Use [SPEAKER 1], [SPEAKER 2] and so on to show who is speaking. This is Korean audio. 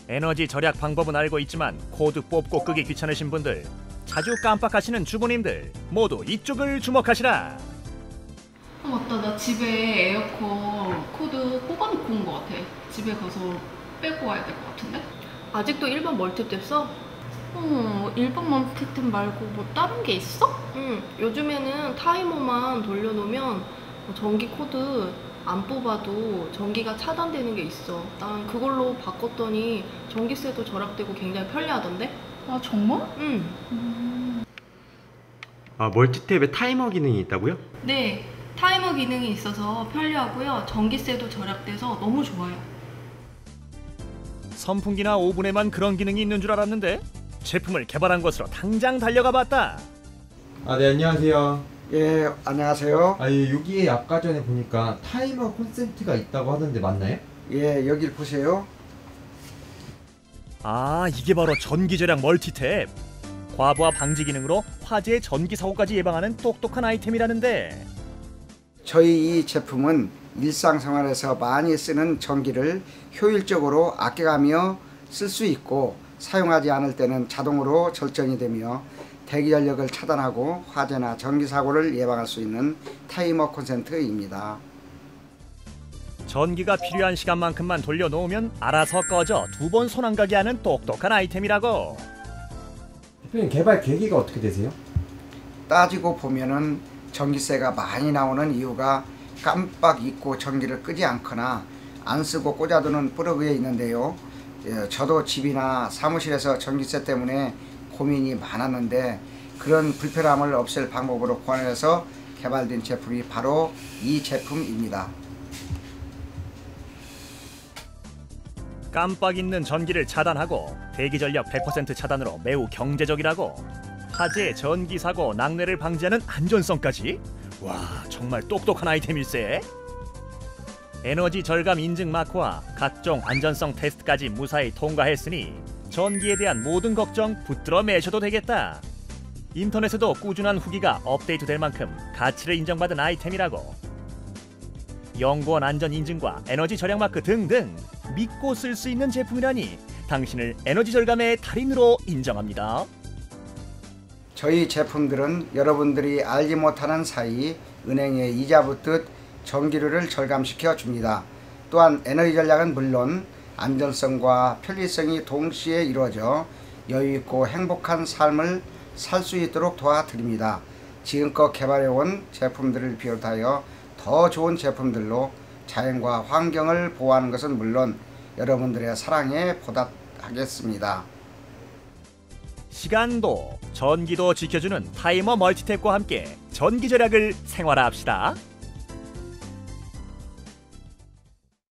[SPEAKER 1] 에너지 절약 방법은 알고 있지만 코드 뽑고 끄기 귀찮으신 분들, 자주 깜빡하시는 주부님들 모두 이쪽을 주목하시라.
[SPEAKER 2] 맞다. 나 집에 에어컨 코드 뽑아놓고 온 것 같아. 집에 가서 빼고 와야 될 것 같은데?
[SPEAKER 3] 아직도 1번 멀티탭 써?
[SPEAKER 2] 일반 멀티탭 말고 뭐 다른 게 있어?
[SPEAKER 3] 요즘에는 타이머만 돌려놓으면 전기 코드 안 뽑아도 전기가 차단되는 게 있어. 난 그걸로 바꿨더니 전기세도 절약되고 굉장히 편리하던데?
[SPEAKER 2] 아, 정말?
[SPEAKER 4] 아, 멀티탭에 타이머 기능이 있다고요?
[SPEAKER 2] 네. 타이머 기능이 있어서 편리하고요. 전기세도 절약돼서 너무 좋아요.
[SPEAKER 1] 선풍기나 오븐에만 그런 기능이 있는 줄 알았는데 제품을 개발한 곳으로 당장 달려가 봤다.
[SPEAKER 4] 아, 네, 안녕하세요.
[SPEAKER 5] 예, 안녕하세요.
[SPEAKER 4] 아, 여기에 아까 전에 보니까 타이머 콘센트가 있다고 하던데 맞나요?
[SPEAKER 5] 예, 여길 보세요.
[SPEAKER 1] 아, 이게 바로 전기 절약 멀티탭. 과부하 방지 기능으로 화재 전기 사고까지 예방하는 똑똑한 아이템이라는데,
[SPEAKER 5] 저희 이 제품은 일상생활에서 많이 쓰는 전기를 효율적으로 아껴가며 쓸 수 있고, 사용하지 않을 때는 자동으로 절전이 되며 대기 전력을 차단하고 화재나 전기 사고를 예방할 수 있는 타이머 콘센트입니다.
[SPEAKER 1] 전기가 필요한 시간만큼만 돌려놓으면 알아서 꺼져 2번 손 안 가게 하는 똑똑한 아이템이라고.
[SPEAKER 4] 대표님, 개발 계기가 어떻게 되세요?
[SPEAKER 5] 따지고 보면은 전기세가 많이 나오는 이유가 깜빡 잊고 전기를 끄지 않거나 안 쓰고 꽂아두는 플러그에 있는데요. 저도 집이나 사무실에서 전기세 때문에 고민이 많았는데 그런 불편함을 없앨 방법으로 고안해서 개발된 제품이 바로 이 제품입니다.
[SPEAKER 1] 깜빡 잊는 전기를 차단하고 대기 전력 100% 차단으로 매우 경제적이라고. 화재, 전기 사고, 낙뢰를 방지하는 안전성까지? 와, 정말 똑똑한 아이템일세. 에너지 절감 인증 마크와 각종 안전성 테스트까지 무사히 통과했으니 전기에 대한 모든 걱정 붙들어 매셔도 되겠다. 인터넷에도 꾸준한 후기가 업데이트될 만큼 가치를 인정받은 아이템이라고. 연구원 안전 인증과 에너지 절약 마크 등등 믿고 쓸 수 있는 제품이라니 당신을 에너지 절감의 달인으로 인정합니다.
[SPEAKER 5] 저희 제품들은 여러분들이 알지 못하는 사이 은행에 이자 붙듯 전기료를 절감시켜 줍니다. 또한 에너지 전략은 물론 안전성과 편리성이 동시에 이루어져 여유있고 행복한 삶을 살 수 있도록 도와드립니다. 지금껏 개발해온 제품들을 비롯하여 더 좋은 제품들로 자연과 환경을 보호하는 것은 물론 여러분들의 사랑에 보답하겠습니다.
[SPEAKER 1] 시간도 전기도 지켜주는 타이머 멀티탭과 함께 전기 절약을 생활화합시다.